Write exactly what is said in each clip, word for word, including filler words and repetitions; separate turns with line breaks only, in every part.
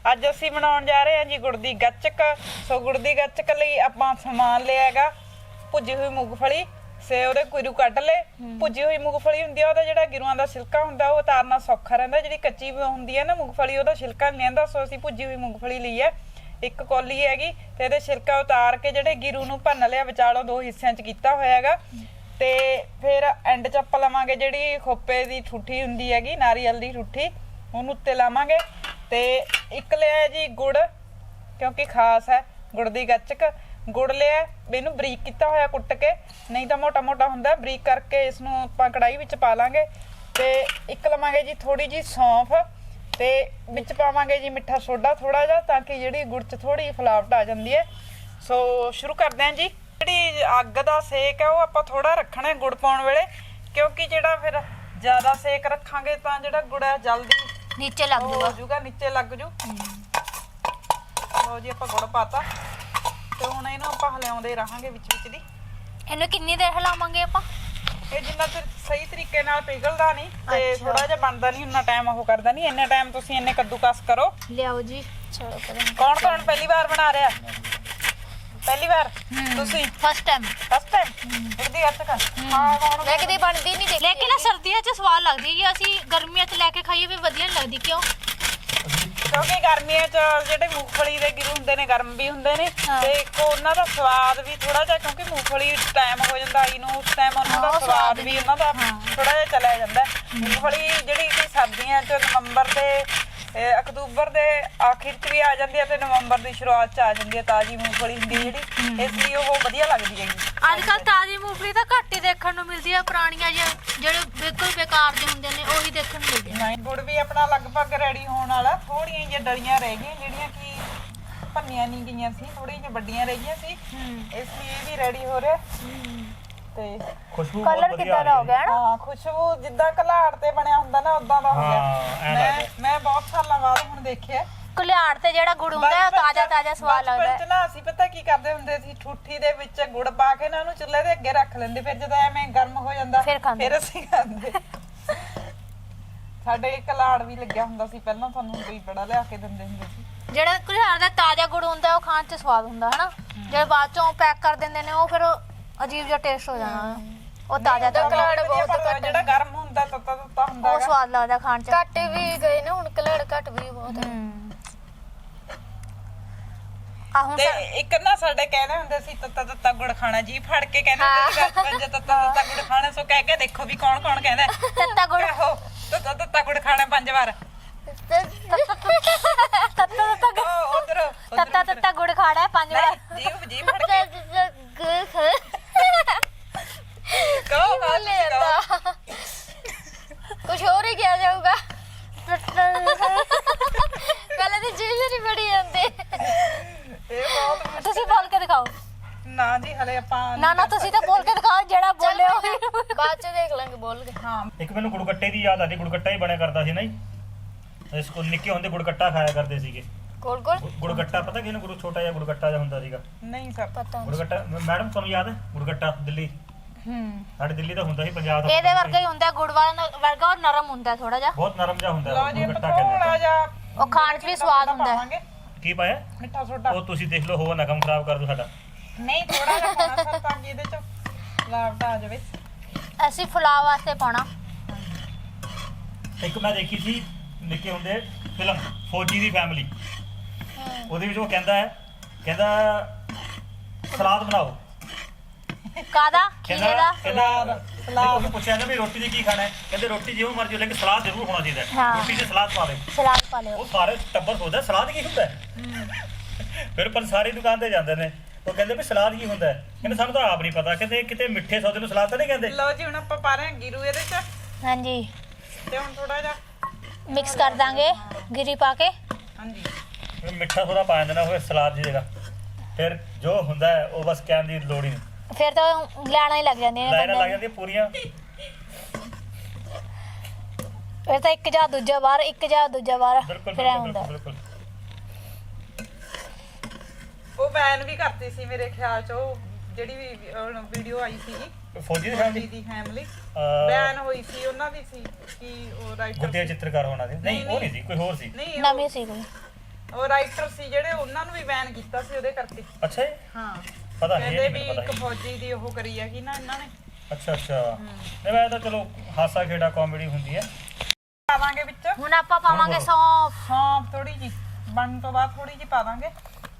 ਅੱਜ ਅਸੀਂ ਬਣਾਉਣ ਜਾ ਰਹੇ ਹਾਂ ਜੀ ਗੁੜ ਦੀ ਗੱਚਕ। ਸੋ ਗੁੜ ਦੀ ਗੱਚਕ ਲਈ ਆਪਾਂ ਸਮਾਨ ਲਿਆ ਹੈਗਾ ਭੁੱਜੀ ਹੋਈ ਮੂੰਗਫਲੀ, ਸੇ ਉਹਦੇ ਕੁਰੂ ਕੱਢ ਲਏ। ਭੁੱਜੀ ਹੋਈ ਮੂੰਗਫਲੀ ਹੁੰਦੀ ਆ, ਉਹਦਾ ਜਿਹੜਾ ਗਿਰੂਆਂ ਦਾ ਛਿਲਕਾ ਹੁੰਦਾ ਉਹ ਉਤਾਰਨਾ ਸੌਖਾ ਰਹਿੰਦਾ। ਜਿਹੜੀ ਕੱਚੀ ਹੁੰਦੀ ਹੈ ਨਾ ਮੂੰਗਫਲੀ, ਉਹਦਾ ਛਿਲਕਾ ਨਹੀਂ ਲੈਂਦਾ। ਸੋ ਅਸੀਂ ਭੁੱਜੀ ਹੋਈ ਮੂੰਗਫਲੀ ਲਈ ਹੈ, ਇੱਕ ਕੌਲੀ ਹੈਗੀ, ਤੇ ਇਹਦੇ ਛਿਲਕਾ ਉਤਾਰ ਕੇ ਜਿਹੜੇ ਗਿਰੂ ਨੂੰ ਭੰਨ ਲਿਆ, ਵਿਚਾਲੋਂ ਦੋ ਹਿੱਸਿਆਂ 'ਚ ਕੀਤਾ ਹੋਇਆ ਹੈਗਾ। ਤੇ ਫਿਰ ਐਂਡ 'ਚ ਆਪਾਂ ਲਵਾਂਗੇ ਜਿਹੜੀ ਖੋਪੇ ਦੀ ਠੂਠੀ ਹੁੰਦੀ ਹੈਗੀ, ਨਾਰੀਅਲ ਦੀ ਠੂਠੀ, ਉਹਨੂੰ ਉੱਤੇ ਲਾਵਾਂਗੇ। ਤੇ ਇੱਕ ਲਿਆ ਜੀ ਗੁੜ, ਕਿਉਂਕਿ ਖਾਸ ਹੈ ਗੁੜ ਦੀ ਗੱਚਕ। ਗੁੜ ਲਿਆ, ਇਹਨੂੰ ਬਰੀਕ ਕੀਤਾ ਹੋਇਆ ਕੁੱਟ ਕੇ, ਨਹੀਂ ਤਾਂ ਮੋਟਾ ਮੋਟਾ ਹੁੰਦਾ। ਬਰੀਕ ਕਰਕੇ ਇਸ ਨੂੰ ਆਪਾਂ ਕੜਾਹੀ ਵਿੱਚ ਪਾ ਲਾਂਗੇ। ਤੇ ਇੱਕ ਲਵਾਂਗੇ ਜੀ ਥੋੜੀ ਜੀ ਸੌਂਫ, ਤੇ ਵਿੱਚ ਪਾਵਾਂਗੇ ਜੀ ਮਿੱਠਾ ਸੋਡਾ ਥੋੜਾ ਜਿਹਾ, ਤਾਂ ਕਿ ਜਿਹੜੀ ਗੁੜ 'ਚ ਥੋੜੀ ਫਲਾਵਟ ਆ ਜਾਂਦੀ ਹੈ। ਸੋ ਸ਼ੁਰੂ ਕਰਦੇ ਹਾਂ ਜੀ। ਜਿਹੜੀ ਅੱਗ ਦਾ ਸੇਕ ਹੈ ਉਹ ਆਪਾਂ ਥੋੜਾ ਰੱਖਣਾ ਗੁੜ ਪਾਉਣ ਵੇਲੇ, ਕਿਉਂਕਿ ਜਿਹੜਾ ਫਿਰ ਜ਼ਿਆਦਾ ਸੇਕ ਰੱਖਾਂਗੇ ਤਾਂ ਜਿਹੜਾ ਗੁੜ ਹੈ ਜਲਦੀ
ਨੀਚੇ ਲੱਗ
ਜੂਗਾ, ਨੀਚੇ ਲੱਗ ਜੂ। ਲਓ ਜੀ ਆਪਾਂ ਗੁੜ ਪਾਤਾ, ਤੇ ਹੁਣ ਇਹਨੂੰ ਆਪਾਂ ਹਿਲਾਉਂਦੇ ਰਹਾਂਗੇ ਵਿੱਚ ਵਿੱਚ ਦੀ।
ਇਹਨੂੰ ਕਿੰਨੀ ਦੇਰ ਹਿਲਾਵਾਂਗੇ ਆਪਾਂ?
ਇਹ ਜਿੰਨਾ ਚਿਰ ਸਹੀ ਤਰੀਕੇ ਨਾਲ ਪਿਘਲਦਾ ਨਹੀਂ ਤੇ ਥੋੜਾ ਜਿਹਾ ਬਣਦਾ ਨਹੀਂ, ਉਨਾ ਟਾਈਮ ਉਹ ਕਰਦਾ ਨਹੀਂ। ਇੰਨੇ ਟਾਈਮ ਤੁਸੀਂ ਇੰਨੇ ਕੱਦੂਕਸ ਕਰੋ।
ਲਿਆਓ ਜੀ। ਚਲੋ ਕਰਾਂ।
ਕੌਣ ਕੌਣ ਪਹਿਲੀ ਵਾਰ ਬਣਾ ਰਿਹਾ? ਪਹਿਲੀ ਵਾਰ ਤੁਸੀਂ?
First time.
ਫਸਟ ਟਾਈਮ ਗੁੜਦੀ ਗੱਚਕ? ਹਾਂ ਕੌਣ?
ਮੈਂ ਕਦੇ ਬਣਦੀ ਨਹੀਂ ਦੇਖੀ, ਲੇਕਿਨ ਸਰਦੀਆਂ 'ਚ ਸਵਾਦ ਲੱਗਦੀ ਹੈ। ਅਸੀਂ ਗਰਮੀਆਂ 'ਚ ਲੈ ਕੇ ਖਾਈਏ ਵੀ ਵਧੀਆ ਨਹੀਂ ਲੱਗਦੀ। ਕਿਉਂ?
ਕਿਉਂਕਿ ਗਰਮੀਆਂ 'ਚ ਜਿਹੜੇ ਮੂੰਗਫਲੀ ਦੇ ਗਿਰੂ ਹੁੰਦੇ ਨੇ ਗਰਮ ਵੀ ਹੁੰਦੇ ਨੇ, ਤੇ ਇੱਕ ਉਹਨਾਂ ਦਾ ਸਵਾਦ ਵੀ ਥੋੜਾ ਜਿਹਾ, ਕਿਉਂਕਿ ਮੂੰਗਫਲੀ ਟਾਈਮ ਹੋ ਜਾਂਦਾ ਆਈ ਨੂੰ, ਉਸ ਟਾਈਮ ਉਹਨਾਂ ਦਾ ਸਵਾਦ ਵੀ ਉਹਨਾਂ ਦਾ ਥੋੜਾ ਜਿਹਾ ਚਲਾ ਜਾਂਦਾ। ਮੂੰਗਫਲੀ ਜਿਹੜੀ ਕਿ ਸਰਦੀਆਂ 'ਚ ਨਵੰਬਰ ਦੇ ਅਕਤੂਬਰ ਦੇ ਆਖਿਰ 'ਚ ਵੀ ਆ ਜਾਂਦੀ ਹੈ, ਤੇ ਨਵੰਬਰ ਦੀ ਸ਼ੁਰੂਆਤ 'ਚ ਆ ਜਾਂਦੀ ਹੈ। ਤਾਜ਼ੀ ਮੂੰਗਫਲੀ ਹੁੰਦੀ ਹੈ ਜਿਹੜੀ, ਇਸ ਲਈ ਉਹ ਵਧੀਆ ਲੱਗਦੀ ਹੈਗੀ।
ਅੱਜ ਕੱਲ ਤਾਜ਼ੀ ਮੂੰਗਫਲੀ ਤਾਂ ਘੱਟ ਹੀ ਦੇਖਣ ਨੂੰ ਮਿਲਦੀ ਹੈ। ਪੁਰਾਣੀਆਂ ਜਿਹੜੇ ਬਿਲਕੁਲ ਬੇਕਾਰ ਦੇ ਹੁੰਦੇ ਨੇ ਉਹੀ ਦੇਖਣ ਨੂੰ ਮਿਲਦੇ ਨੇ।
ਗੁੜ ਵੀ ਆਪਣਾ ਲਗਭਗ ਰੈਡੀ ਹੋਣ ਵਾਲਾ। ਥੋੜੀਆਂ ਜਿਹੀਆਂ ਡਲੀਆਂ ਰਹਿ ਗਈਆਂ ਜਿਹੜੀਆਂ ਕਿ ਭੰਨੀਆਂ ਨਹੀਂ ਗਈਆਂ ਸੀ, ਥੋੜੀਆਂ ਜਿਹੀਆਂ ਵੱਡੀਆਂ ਰਹਿ ਗਈਆਂ ਸੀ, ਇਸ ਲਈ ਇਹ ਵੀ ਰੈਡੀ ਹੋ ਰਿਹਾ। ਤੇ
ਖੁਸ਼ਬੂ
ਕਲਰ ਕਿੱਦਾਂ ਦਾ ਹੋ ਗਿਆ ਨਾ?
ਹਾਂ, ਖੁਸ਼ਬੂ ਜਿੱਦਾਂ ਘਲਾੜ ਤੇ ਬਣਿਆ ਹੁੰਦਾ ਨਾ ਉਦਾਂ ਦਾ ਹੋ ਗਿਆ। ਮੈਂ ਮੈਂ ਬਹੁਤ ਸਾਲਾਂ ਬਾਅਦ ਹੁਣ ਦੇਖਿਆ
ਕੁਲਿਆੜ ਤੇ ਜਿਹੜਾ ਗੁੜ ਹੁੰਦਾ ਉਹ ਤਾਜ਼ਾ ਤਾਜ਼ਾ ਸਵਾਦ ਲੱਗਦਾ ਹੈ।
ਨਾ ਅਸੀਂ ਪਤਾ ਕੀ ਕਰਦੇ ਹੁੰਦੇ ਸੀ, ਠੂਠੀ ਦੇ ਵਿੱਚ ਗੁੜ ਪਾ ਕੇ ਨਾ ਉਹਨੂੰ ਚੁੱਲ੍ਹੇ ਦੇ ਅੱਗੇ ਰੱਖ ਲੈਂਦੇ, ਫਿਰ ਜਦੋਂ ਐਵੇਂ ਗਰਮ ਹੋ ਜਾਂਦਾ ਫਿਰ ਅਸੀਂ ਖਾਂਦੇ। ਸਾਡੇ ਘਲਾੜ ਵੀ ਲੱਗਿਆ ਹੁੰਦਾ ਸੀ ਪਹਿਲਾਂ, ਸਾਨੂੰ ਕੋਈ ਬੜਾ ਲਿਆ ਕੇ ਦਿੰਦੇ ਹੁੰਦੇ ਸੀ।
ਜਿਹੜਾ ਕੁਲਿਆੜ ਦਾ ਤਾਜ਼ਾ ਗੁੜ ਹੁੰਦਾ ਉਹ ਖਾਣ 'ਚ ਸਵਾਦ ਹੁੰਦਾ ਹਨਾ। ਜਿਹੜੇ ਬਾਅਦ ਚੋਂ ਪੈਕ ਕਰ ਦਿੰਦੇ ਨੇ ਉਹ ਫਿਰ ਅਜੀਬ ਜਿਹਾ ਟੇਸਟ ਹੋ ਜਾਣਾ। ਉਹ ਤਾਜ਼ਾ ਤਾਜ਼ਾ
ਜਿਹੜਾ ਗਰਮ ਹੁੰਦਾ ਤੱਤਾ ਤੱਤਾ ਹੁੰਦਾ
ਉਹ ਸਵਾਦ ਲੱਗਦਾ ਖਾਣ 'ਚ।
ਘੱਟ ਵੀ ਗਏ ਨਾ ਹੁਣ, ਕਲੜ ਘੱਟ ਵੀ ਬਹੁਤ ਹੈ।
ਆ ਹੁਣ
ਤੇ ਇੱਕ ਨਾ ਸਾਡੇ ਕਹਿੰਦੇ ਹੁੰਦੇ ਸੀ ਤੱਤਾ ਤੱਤਾ ਗੁੜ ਖਾਣਾ, ਜੀ ਫੜ ਕੇ ਕਹਿੰਦੇ ਹੁੰਦੇ ਸੀ ਬਚਪਨ 'ਚ ਤੱਤਾ ਤੱਤਾ ਗੁੜ ਖਾਣਾ। ਸੋ ਕਹਿ ਕੇ ਦੇਖੋ ਵੀ ਕੌਣ ਕੌਣ ਕਹਿੰਦਾ
ਤੱਤਾ ਗੁੜ,
ਤੱਤਾ ਤੱਤਾ ਗੁੜ ਖਾਣਾ ਪੰਜ ਵਾਰ।
ਤੱਤਾ ਤੱਤਾ
ਉਧਰ
ਤੱਤਾ ਤੱਤਾ ਗੁੜ ਖਾਣਾ ਪੰਜ ਵਾਰ।
ਜੀਭ ਜੀਭ ਫੜ ਕੇ ਕਹੋ
ਬੋਲੇ ਜਾਂਦਾ ਕੁਝ ਹੋਰ ਹੀ ਕਿਹਾ ਜਾਊਗਾ। ਪਹਿਲਾਂ ਤਾਂ ਜੀਭ ਨਹੀਂ ਬੜੀ ਜਾਂਦੇ।
ਇਹ ਬਹੁਤ
ਤੁਸੀਂ ਬੋਲ ਕੇ ਦਿਖਾਓ।
ਨਾ ਜੀ ਹਲੇ ਆਪਾਂ
ਨਾ ਨਾ ਤੁਸੀਂ ਤਾਂ ਬੋਲ ਕੇ ਦਿਖਾਓ, ਜਿਹੜਾ ਬੋਲੇ ਉਹ
ਬਾਅਦ ਚ ਦੇਖ ਲਾਂਗੇ ਬੋਲ ਕੇ।
ਹਾਂ,
ਇੱਕ ਮੈਨੂੰ ਗੁੜਗੱਟੇ ਦੀ ਯਾਦ ਆਦੀ। ਗੁੜਗੱਟਾ ਹੀ ਬਣਿਆ ਕਰਦਾ ਸੀ ਨਾ ਜੀ, ਇਸ ਕੋਲ ਨਿੱਕੇ ਹੁੰਦੇ ਗੁੜਗੱਟਾ ਖਾਇਆ ਕਰਦੇ ਸੀਗੇ।
ਗੋਲ ਗੋਲ
ਗੁੜਗੱਟਾ ਪਤਾ ਕਿਹਨੂੰ? ਗੁੜ ਛੋਟਾ ਜਿਹਾ ਗੁੜਗੱਟਾ ਜਿਹਾ ਹੁੰਦਾ ਸੀਗਾ।
ਨਹੀਂ ਸਰ
ਪਤਾ।
ਗੁੜਗੱਟਾ ਮੈਡਮ ਤੁਹਾਨੂੰ ਯਾਦ ਹੈ? ਗੁੜਗੱਟਾ ਦਿੱਲੀ,
ਹੂੰ
ਸਾਡੇ ਦਿੱਲੀ ਦਾ ਹੁੰਦਾ ਸੀ, ਪੰਜਾਬ ਦਾ।
ਇਹਦੇ ਵਰਗਾ ਹੀ ਹੁੰਦਾ ਗੁੜ ਵਾਲਾ ਵਰਗਾ, ਔਰ ਨਰਮ ਹੁੰਦਾ ਥੋੜਾ ਜਿਹਾ,
ਬਹੁਤ ਨਰਮ ਜਿਹਾ ਹੁੰਦਾ
ਲਓ ਜੀ
ਗੁੜਗੱਟਾ
ਥੋੜਾ
ਕਹਿੰਦੇ।
ਜਿਹਾ
ਉਹ ਖਾਣ 'ਚ ਵੀ ਸਵਾਦ ਹੁੰਦਾ ਹੈ।
ਕੀ ਪਾਇਆ?
ਮਿੱਠਾ ਸੋਡਾ।
ਉਹ ਤੁਸੀਂ ਦੇਖ ਲਓ, ਹੋਰ ਨਾ ਕੰਮ ਖਰਾਬ ਕਰ ਦੋ ਸਾਡਾ।
ਨਹੀਂ ਥੋੜਾ ਜਿਹਾ ਪਾਉਣਾ ਸਰ, ਤਾਂ ਕਿ ਇਹਦੇ 'ਚ ਫਲਾਵਟ ਆ ਜਾਵੇ।
ਅਸੀਂ ਫੁਲਾਅ ਵਾਸਤੇ ਪਾਉਣਾ।
ਇੱਕ ਮੈਂ ਦੇਖੀ ਸੀ ਨਿੱਕੇ ਹੁੰਦੇ ਫਿਲਮ ਫੌਜੀ ਦੀ ਫੈਮਿਲੀ, ਉਹਦੇ ਵਿੱਚ ਉਹ ਕਹਿੰਦਾ ਹੈ, ਕਹਿੰਦਾ ਸਲਾਦ ਬਣਾਓ।
ਕਾਦਾ? ਖੀਰੇ ਦਾ?
ਕਹਿੰਦਾ ਸਲਾਦ। ਉਹਨੂੰ ਪੁੱਛਿਆ ਨਾ ਵੀ ਰੋਟੀ ਦੀ ਕੀ ਖਾਣਾ ਹੈ, ਕਹਿੰਦੇ ਰੋਟੀ ਜਿਵੇਂ ਮਰਜ਼ੀ, ਲੇਕਿਨ ਸਲਾਦ ਜ਼ਰੂਰ ਹੋਣਾ ਚਾਹੀਦਾ ਹੈ। ਰੋਟੀ 'ਚ ਸਲਾਦ ਪਾ ਦੇ।
ਸਲਾਦ ਪਾ ਲਿਓ।
ਉਹ ਸਾਰੇ ਟੱਬਰ ਸੋਚਦਾ ਸਲਾਦ ਕੀ ਹੁੰਦਾ ਹੈ। ਫਿਰ ਪਰ ਸਾਰੀ ਦੁਕਾਨ ਤੇ ਜਾਂਦੇ ਨੇ, ਉਹ ਕਹਿੰਦੇ ਵੀ ਸਲਾਦ ਕੀ ਹੁੰਦਾ ਹੈ। ਕਹਿੰਦੇ ਸਾਨੂੰ ਤਾਂ ਆਪ ਨਹੀਂ ਪਤਾ, ਕਹਿੰਦੇ ਕਿਤੇ ਮਿੱਠੇ ਸੌਦੇ ਨੂੰ ਸਲਾਦ ਤਾਂ ਨਹੀਂ ਕਹਿੰਦੇ।
ਲਓ ਜੀ ਹੁਣ ਆਪਾਂ ਪਾ ਰਹੇ ਹਾਂ ਗਿਰੂ ਇਹਦੇ 'ਚ,
ਹਾਂਜੀ
ਤੇ ਹੁਣ ਥੋੜਾ ਜਿਹਾ
ਮਿਕਸ ਕਰ ਦਾਂਗੇ ਗਿਰੀ ਪਾ ਕੇ।
ਹਾਂਜੀ
ਮਿੱਠਾ ਥੋੜਾ ਪਾ ਦਿੰਦੇ ਨਾ ਉਹ ਸਲਾਦ ਦੀ ਜਗ੍ਹਾ। ਫਿਰ ਜੋ ਹੁੰਦਾ ਹੈ ਉਹ ਬਸ ਕਹਿਣ ਦੀ ਲੋੜ ਹੀ ਨਹੀਂ,
ਫਿਰ ਤਾਂ ਲੈਣਾ ਹੀ ਲੱਗ ਜਾਂਦੀਆਂ ਨੇ
ਲਾਈਨਾਂ ਲੱਗ
ਬੰਦੇ
ਜਾਂਦੀਆਂ ਪੂਰੀਆਂ।
ਫਿਰ ਤਾਂ ਇੱਕ ਜਾਂ ਦੂਜਾ ਵਾਰ, ਇੱਕ ਜਾਂ ਦੂਜਾ ਵਾਰ
ਬਿਲਕੁਲ
ਫਿਰ ਐ ਹੁੰਦਾ।
ਬਿਲਕੁਲ।
ਉਹ ਬੈਨ ਵੀ ਕਰਤੀ ਸੀ ਮੇਰੇ ਖਿਆਲ 'ਚ, ਉਹ ਜਿਹੜੀ ਵੀ ਵੀਡੀਓ ਆਈ ਸੀਗੀ
ਫੌਜੀ ਦੀ
ਫੌਜੀ
ਫੈਮਿਲੀ
ਦੀ ਫੈਮਿਲੀ
ਅਹ
ਬੈਨ ਹੋਈ ਸੀ, ਉਹਨਾਂ ਦੀ ਸੀ ਕਿ ਉਹ ਰਾਈਟਰ
ਗੁੱਡੇ ਚਿੱਤਰਕਾਰ ਹੋਣਾ ਸੀ। ਨਹੀਂ ਉਹ ਨਹੀਂ ਸੀ, ਕੋਈ ਹੋਰ ਸੀ।
ਨਹੀਂ
ਨਵੀਂ ਸੀ ਕੋਈ।
ਉਹ ਰਾਈਟਰ ਸੀ ਜਿਹੜੇ ਉਹਨਾਂ ਨੂੰ ਵੀ ਬੈਨ ਕੀਤਾ ਸੀ ਉਹਦੇ ਕਰਕੇ।
ਅੱਛਾ ਜੀ,
ਹਾਂ
ਪਤਾ ਨਹੀਂ
ਕਹਿੰਦੇ
ਇਹ
ਵੀ
ਨਹੀਂ ਪਤਾ
ਇੱਕ
ਸੀ।
ਫੌਜੀ ਦੀ ਉਹ ਕਰੀ ਹੈਗੀ ਨਾ ਇਹਨਾਂ ਨੇ।
ਅੱਛਾ ਅੱਛਾ, ਨਹੀਂ ਮੈਂ ਤਾਂ ਚਲੋ ਹਾਸਾ ਖੇੜਾ ਕਾਮੇਡੀ ਹੁੰਦੀ ਹੈ।
ਪਾ ਦਾਂਗੇ ਵਿੱਚ
ਹੁਣ ਆਪਾਂ ਪਾਵਾਂਗੇ ਸੌਂਫ।
ਸੌਂਫ ਥੋੜੀ ਜੀ ਬਣਨ ਤੋਂ ਬਾਅਦ ਥੋੜੀ ਜੀ ਪਾ ਦਾਂਗੇ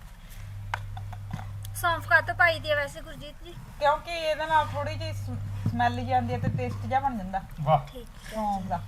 ਸੌਂਫ ਕਾ ਤਾਂ ਪਾਈ ਦੀ ਹੈ ਵੈਸੇ ਗੁਰਜੀਤ ਜੀ,
ਕਿਉਂਕਿ ਇਹਦੇ ਨਾਲ ਥੋੜੀ ਜੀ ਸਮੈਲ ਜੀ ਆਉਂਦੀ ਹੈ ਤੇ ਟੇਸਟ ਜਿਹਾ ਬਣ ਜਾਂਦਾ
ਵਾਹ,
ਠੀਕ
ਸੌਂਫ ਦਾ।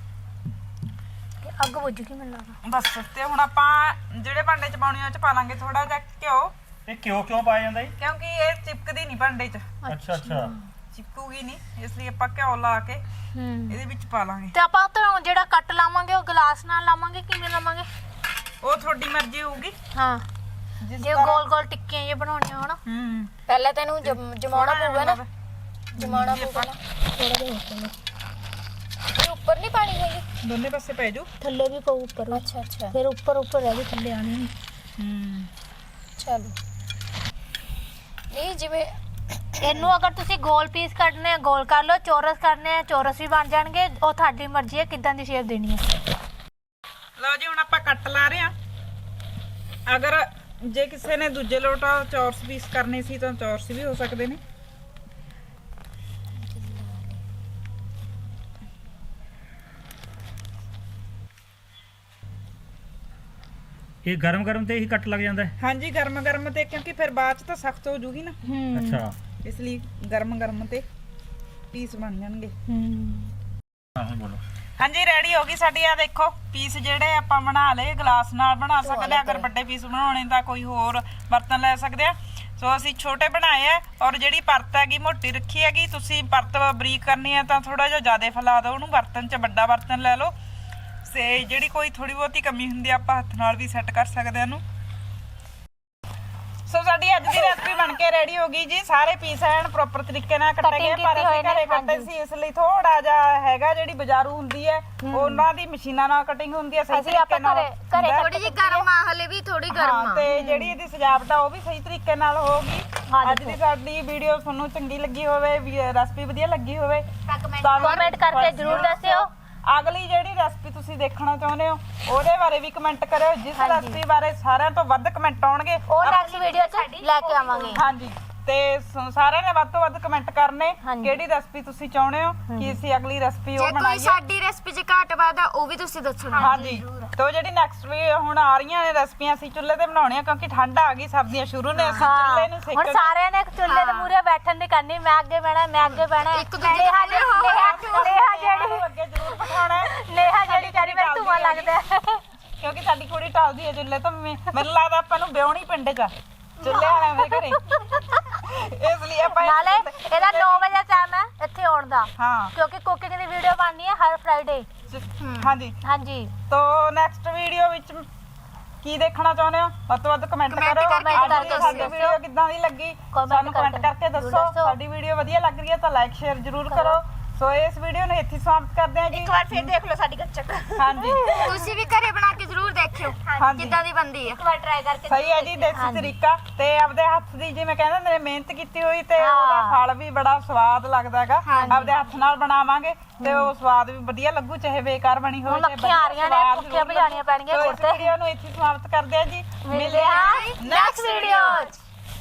ਅੱਗ ਬੁੱਝ ਗਈ ਮੈਨੂੰ ਲੱਗਦਾ।
ਬਸ ਤੇ ਹੁਣ ਆਪਾਂ ਜਿਹੜੇ ਭਾਂਡੇ ਚ ਪਾਉਣੀ ਉਹ ਚ ਪਾ ਲਾਂਗੇ ਥੋੜਾ ਜਿਹਾ ਘਿਓ,
ਇਹ ਕਿਉਂ ਕਿਉਂ ਪਾਇਆ ਜਾਂਦਾ ਜੀ?
ਕਿਉਂਕਿ ਇਹ ਚਿਪਕਦੀ ਨਹੀਂ ਭਾਂਡੇ ਚ,
ਅੱਛਾ ਅੱਛਾ,
ਚਿਪਕੂਗੀ ਨਹੀਂ, ਇਸ ਲਈ ਆਪਾਂ ਘਿਓ ਲਾ ਕੇ
ਹੂੰ
ਇਹਦੇ ਵਿੱਚ ਪਾ ਲਾਂਗੇ।
ਤੇ ਆਪਾਂ ਤਾਂ ਜਿਹੜਾ ਕੱਟ ਲਾਵਾਂਗੇ ਉਹ ਗਲਾਸ ਨਾਲ ਲਾਵਾਂਗੇ, ਕਿਵੇਂ ਲਾਵਾਂਗੇ?
ਉਹ ਤੁਹਾਡੀ ਮਰਜ਼ੀ ਹੋਊਗੀ
ਹਾਂ
ਜਿਸ
ਜੇ ਗੋਲ ਗੋਲ ਟਿੱਕੀਆਂ ਜੇ ਬਣਾਉਣੀਆਂ ਹੋਣ।
ਹੂੰ
ਪਹਿਲਾਂ ਤੈਨੂੰ ਜਮ- ਜਮਾਉਣਾ ਪਊਗਾ ਨਾ, ਜਮਾਉਣਾ ਪਊਗਾ ਨਾ
ਥੋੜਾ ਜਿਹਾ ਉੱਪਰ
ਇਹ ਉੱਪਰ ਨਹੀਂ ਪਾਣੀ ਹੈਗੀ।
ਦੋਨੇ ਪਾਸੇ ਪੈ ਜੂ।
ਥੱਲੇ ਵੀ ਪਊ ਉੱਪਰ ਵੀ।
ਅੱਛਾ ਅੱਛਾ,
ਫਿਰ ਉੱਪਰ ਉੱਪਰ ਰਹਿ ਗਈ, ਥੱਲੇ ਆਣੀ ਨਹੀਂ।
ਹੂੰ
ਚਲੋ ਨਹੀਂ ਜਿਵੇਂ
ਇਹਨੂੰ ਅਗਰ ਤੁਸੀਂ ਗੋਲ ਪੀਸ ਕੱਢਨੇ ਆ ਗੋਲ ਕਰ ਲਓ, ਚੌਰਸ ਕਰਨੇ ਆ ਚੌਰਸ ਵੀ ਬਣ ਜਾਣਗੇ, ਉਹ ਤੁਹਾਡੀ ਮਰਜ਼ੀ ਹੈ ਕਿੱਦਾਂ ਦੀ ਸ਼ੇਪ ਦੇਣੀ ਹੈ।
ਲਓ ਜੀ ਹੁਣ ਆਪਾਂ ਕੱਟ ਲਾ ਰਹੇ ਆ। ਅਗਰ ਜੇ ਕਿਸੇ ਨੇ ਦੂਜੇ ਲੋਟਾ ਚੌਰਸ ਪੀਸ ਕਰਨੇ ਸੀ ਤਾਂ ਚੌਰਸ ਵੀ ਹੋ ਸਕਦੇ ਨੇ।
ਇਹ ਗਰਮ ਗਰਮ ਤੇ ਹੀ ਕੱਟ ਲੱਗ ਜਾਂਦਾ ਹੈ।
ਹਾਂਜੀ ਗਰਮ ਗਰਮ ਤੇ, ਕਿਉਂਕਿ ਫਿਰ ਬਾਅਦ ਚ ਤਾਂ ਸਖਤ ਹੋ ਜੂਗੀ ਨਾ,
ਅੱਛਾ,
ਇਸ ਲਈ ਗਰਮ ਗਰਮ ਤੇ ਪੀਸ ਬਣ ਜਾਣਗੇ।
ਹਾਂ ਹੁਣ ਬੋਲੋ।
ਹਾਂਜੀ ਰੈਡੀ ਹੋ ਗਈ ਸਾਡੀ। ਆ ਦੇਖੋ ਪੀਸ ਜਿਹੜੇ ਆਪਾਂ ਬਣਾ ਲਏ, ਗਲਾਸ ਨਾਲ ਬਣਾ ਸਕਦੇ ਆ। ਅਗਰ ਵੱਡੇ ਪੀਸ ਬਣਾਉਣੇ ਤਾਂ ਕੋਈ ਹੋਰ ਬਰਤਨ ਲੈ ਸਕਦੇ ਆ। ਸੋ ਅਸੀਂ ਛੋਟੇ ਬਣਾਏ ਆ, ਔਰ ਜਿਹੜੀ ਪਰਤ ਹੈਗੀ ਮੋਟੀ ਰੱਖੀ ਹੈਗੀ। ਤੁਸੀਂ ਪਰਤ ਬਰੀਕ ਕਰਨੀ ਹੈ ਤਾਂ ਥੋੜਾ ਜਿਹਾ ਜ਼ਿਆਦਾ ਫੈਲਾ ਦਿਓ ਉਹਨੂੰ, ਬਰਤਨ 'ਚ ਵੱਡਾ ਬਰਤਨ ਲੈ ਲਓ। ਤੇ ਜਿਹੜੀ ਕੋਈ ਥੋੜੀ ਬਹੁਤੀ ਕਮੀ ਹੁੰਦੀ ਆ ਆਪਾਂ ਹੱਥ ਨਾਲ ਵੀ ਸੈੱਟ ਕਰ ਸਕਦੇ ਆ ਇਹਨੂੰ। ਸੋ ਸਾਡੀ ਅੱਜ ਦੀ ਰੈਸਪੀ ਬਣ ਕੇ ਰੈਡੀ ਹੋ ਗਈ ਜੀ। ਸਾਰੇ ਪੀਸ ਐਨ ਪ੍ਰੋਪਰ ਤਰੀਕੇ ਨਾਲ ਕੱਟੇ ਗਏ, ਪਰ ਅਸੀਂ ਘਰੇ ਕੱਟੇ ਸੀ ਇਸ ਲਈ ਥੋੜਾ ਜਿਹਾ ਹੈਗਾ, ਜਿਹੜੀ ਬਾਜ਼ਾਰੂ ਹੁੰਦੀ ਹੈ ਉਹਨਾਂ ਦੀ ਮਸ਼ੀਨਾਂ ਨਾਲ ਕਟਿੰਗ ਹੁੰਦੀ ਹੈ ਸਹੀ ਤਰੀਕੇ ਨਾਲ।
ਘਰੇ
ਥੋੜੀ ਜਿਹੀ ਗਰਮ ਆ, ਹਲੇ ਵੀ ਥੋੜੀ ਗਰਮ
ਹਾਂ,
ਆ।
ਤੇ ਜਿਹੜੀ ਇਹਦੀ ਸਜਾਵਟ ਆ ਉਹ ਵੀ ਸਹੀ ਤਰੀਕੇ ਨਾਲ ਹੋਊਗੀ। ਅੱਜ ਦੀ ਸਾਡੀ ਵੀਡੀਓ ਤੁਹਾਨੂੰ ਚੰਗੀ ਲੱਗੀ ਹੋਵੇ, ਰੈਸਪੀ ਵਧੀਆ ਲੱਗੀ ਹੋਵੇ ਤਾਂ
ਕਮੈਂਟ ਕਰਕੇ ਜ਼ਰੂਰ ਦੱਸਿਓ।
ਅਗਲੀ ਜਿਹੜੀ ਰੈਸਪੀ ਤੁਸੀਂ ਦੇਖਣਾ ਚਾਹੁੰਦੇ ਹੋ ਉਹਦੇ ਬਾਰੇ ਵੀ ਕਮੈਂਟ ਕਰਿਓ। ਜਿਸ ਰੈਸਪੀ ਬਾਰੇ ਸਾਰਿਆਂ ਤੋਂ ਵੱਧ ਕਮੈਂਟ ਆਉਣਗੇ
ਉਹ ਨੈਕਸਟ ਵੀਡੀਓ 'ਚ ਲੈ ਕੇ ਆਵਾਂਗੇ।
ਹਾਂਜੀ, ਤੇ ਸ- ਸਾਰਿਆਂ ਨੇ ਵੱਧ ਤੋਂ ਵੱਧ ਕਮੈਂਟ ਕਰਨੇ ਕਿਹੜੀ ਰੈਸਪੀ ਤੁਸੀਂ ਚਾਹੁੰਦੇ ਹੋ ਕਿ ਅਸੀਂ ਅਗਲੀ ਰੈਸਪੀ
ਜੇ
ਉਹ
ਕੋਈ
ਬਣਾਈਏ।
ਸਾਡੀ ਰੈਸਪੀ 'ਚ ਘਾਟ ਵਾਦਾ ਉਹ ਵੀ ਤੁਸੀਂ ਦੱਸਣਾ।
ਹਾਂਜੀ, ਤੇ ਜਿਹੜੀ ਨੈਕਸਟ ਵੀ ਹੁਣ ਆ ਰਹੀਆਂ ਨੇ ਰੈਸਪੀਆਂ ਅਸੀਂ ਚੁੱਲ੍ਹੇ ਤੇ ਬਣਾਉਣੀਆਂ, ਕਿਉਂਕਿ ਠੰਡ ਆ ਗਈ, ਸਰਦੀਆਂ ਸ਼ੁਰੂ ਨੇ, ਅਸੀਂ ਚੁੱਲ੍ਹੇ ਨੂੰ
ਹੁਣ
ਸੇਕਣ।
ਸਾਰਿਆਂ ਨੇ ਚੁੱਲ੍ਹੇ ਦੇ ਮੂਹਰੇ ਬੈਠਣ ਦੀ ਕਰਨੀ, ਮੈਂ ਅੱਗੇ ਬਹਿਣਾ ਮੈਂ ਅੱਗੇ ਬਹਿਣਾ।
ਇੱਕ ਦੂਜੇ ਦੇ
ਨੇਹਾ
ਮੂਹਰੇ ਹੋ
ਨੇਹਾ ਨੇਹਾ ਜਿਹੜੀ
ਅੱਗੇ ਜ਼ਰੂਰ ਬਿਠਾਉਣਾ ਹੈ।
ਨੇਹਾ ਜਿਹੜੀ ਕਹਿੰਦੀ ਮੈਨੂੰ ਧੂਆਂ ਲੱਗਦਾ ਹੈ।
ਕਿਉਂਕਿ ਸਾਡੀ ਕੁੜੀ ਟਲਦੀ ਹੈ ਚੁੱਲ੍ਹੇ ਤੋਂ। ਮੈਂ- ਮੈਨੂੰ ਲੱਗਦਾ ਆਪਾਂ ਨੂੰ ਵਿਆਹਣੀ ਪਿੰਡ 'ਚ ਆ, ਚੁੱਲ੍ਹੇ ਵਾਲਿਆਂ ਦੇ ਘਰੇ। ਇਸ ਲਈ ਆਪਾਂ
ਨਾਲੇ ਇਹਦਾ ਨੌ ਵਜੇ ਟਾਈਮ ਹੈ ਇੱਥੇ ਆਉਣ ਦਾ,
ਹਾਂ
ਕਿਉਂਕਿ ਕੁਕਿੰਗ ਦੀ ਵੀਡੀਓ ਬਣਨੀ ਹੈ ਹਰ ਫਰਾਈਡੇ।
ਹਾਂਜੀ,
ਹਾਂਜੀ
ਤੋ ਨੈਕਸਟ ਵੀਡੀਓ ਵਿੱਚ ਕੀ ਦੇਖਣਾ ਚਾਹੁੰਦੇ ਹੋ ਵੱਧ ਤੋਂ ਵੱਧ ਕਮੈਂਟ
Comment
ਕਰੋ।
ਕਰਕੇ
ਅੱਜ ਦੀ
ਦੱਸੋ।
ਸਾਡੀ ਵੀਡੀਓ ਕਿੱਦਾਂ ਦੀ ਲੱਗੀ
Comment
ਸਾਨੂੰ ਕਮੈਂਟ
ਕਰਕੇ
ਕਰਕੇ
ਜ਼ਰੂਰ
ਦੱਸੋ।
ਦੱਸੋ।
ਸਾਡੀ ਵੀਡੀਓ ਵਧੀਆ ਲੱਗ ਰਹੀ ਹੈ ਤਾਂ ਲਾਈਕ ਸ਼ੇਅਰ ਜ਼ਰੂਰ ਕਰੋ। ਸੋ ਇਸ ਵੀਡੀਓ ਨੂੰ ਇੱਥੇ ਸਮਾਪਤ ਕਰਦੇ ਹਾਂ ਜੀ।
ਇੱਕ ਵਾਰ ਫਿਰ ਦੇਖ ਲਓ ਸਾਡੀ ਗੱਚਕ।
ਹਾਂਜੀ
ਤੁਸੀਂ ਵੀ ਘਰੇ ਬਣਾ ਕੇ ਜ਼ਰੂਰ ਦੇਖਿਓ
ਹਾਂਜੀ।
ਕਿੱਦਾਂ ਦੀ ਬਣਦੀ ਹੈ।
ਇੱਕ ਵਾਰ ਟਰਾਈ ਕਰਕੇ
ਸਹੀ ਹੈ ਜੀ, ਦੇਸੀ ਤਰੀਕਾ ਤੇ ਆਪਦੇ ਹੱਥ ਦੀ ਜਿਵੇਂ ਕਹਿੰਦੇ ਹੁੰਦੇ ਨੇ ਮਿਹਨਤ ਕੀਤੀ ਹੋਈ ਤੇ
ਹਾਂ।
ਉਹਦਾ ਫਲ ਵੀ ਬੜਾ ਸਵਾਦ ਲੱਗਦਾ ਹੈਗਾ। ਆਪਦੇ ਹੱਥ ਨਾਲ ਬਣਾਵਾਂਗੇ ਤੇ ਉਹ ਸਵਾਦ ਵੀ ਵਧੀਆ ਲੱਗੂ, ਚਾਹੇ ਬੇਕਾਰ ਬਣੀ ਹੋਵੇ।
ਹੁਣ ਮੱਖੀਆਂ ਆ ਰਹੀਆਂ ਨੇ, ਭੁੱਖੀਆਂ ਭਜਾਣੀਆਂ ਪੈਣਗੀਆਂ
ਇਸ
ਗੁੜ ਤੇ।
ਵੀਡੀਓ ਨੂੰ ਇੱਥੇ ਸਮਾਪਤ ਕਰਦੇ ਹਾਂ ਜੀ।
ਮਿਲਦੇ ਹਾਂ ਨੈਕਸਟ ਵੀਡੀਓ 'ਚ।